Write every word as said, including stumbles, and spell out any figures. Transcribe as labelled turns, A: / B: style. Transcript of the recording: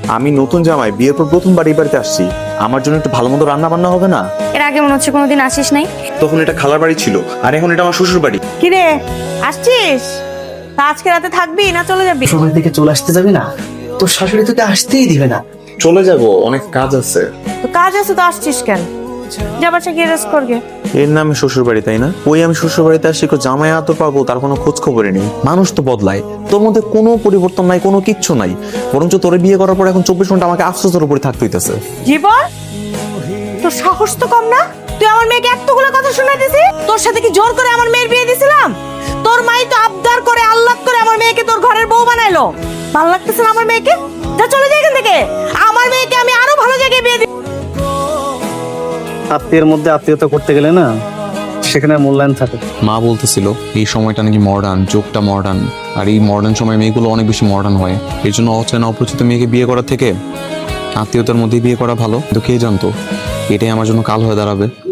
A: আমি নতুন জামাই, বিয়ের পর প্রথমবার এই বাড়িতে আসছি, আমার জন্য একটু ভালো মতো রান্না বান্না হবে না?
B: এর আগে মনে হচ্ছে কোনোদিন আসিস নাই।
A: তখন এটা খালার বাড়ি ছিল, আর এখন এটা আমার শ্বশুর বাড়ি।
C: কিরে আসছিস? তা আজকে রাতে থাকবি না চলে যাবি?
D: শ্বশুর থেকে চলে আসতে যাবি না? তোর শাশুড়ি তোকে আসতেই দিবে না।
A: চলে যাব, অনেক কাজ আছে।
C: তো কাজ আছে তো আসছিস কেন? যা বাসা গিয়ে রেস্ট করগে।
A: এর নামে শ্বশুর বাড়ি, তাই না? ওই আমি শ্বশুর বাড়িতে আসছি, কেউ জামাই আদর পাবো তার কোনো খোঁজ খবরই নেই। মানুষ তো বদলায়, তোর মধ্যে কোনো পরিবর্তন নাই, কোনো কিচ্ছু নাই। বরঞ্চ তোরে বিয়ে করার পর এখন চব্বিশ ঘন্টা আমাকে আফসোসের উপরে থাকতে হইতেছে।
C: জীবন, তোর সাহস তো কম না? তুই আমার মেয়েকে এতগুলো কথা শুনাইতেছিস? তোর সাথে কি জোর করে আমার মেয়ের বিয়ে দিছিলাম? তোর মাই তো আবদার করে আল্লাহ করে আমার মেয়েকে তোর ঘরের বউ বানাইলো। ভালো লাগতেছে না আমার মেয়েকে? যা চলে যাই এখান থেকে। আমার মেয়েকে আমি আরো ভালো জায়গায় বিয়ে দিই।
D: আত্মীয়ের মধ্যে আত্মীয়তা করতে গেলে না সেখানে মূল্যায়ন থাকে।
E: মা বলতেছিল এই সময়টা নাকি মডার্ন, যুগটা মডার্ন, আর এই মডার্ন সময় মেয়েগুলো অনেক বেশি মডার্ন হয়। এর জন্য অচেনা অপরিচিত মেয়েকে বিয়ে করার থেকে আত্মীয়তার মধ্যেই বিয়ে করা ভালো। কিন্তু কে জানতো এটাই আমার জন্য কাল হয়ে দাঁড়াবে।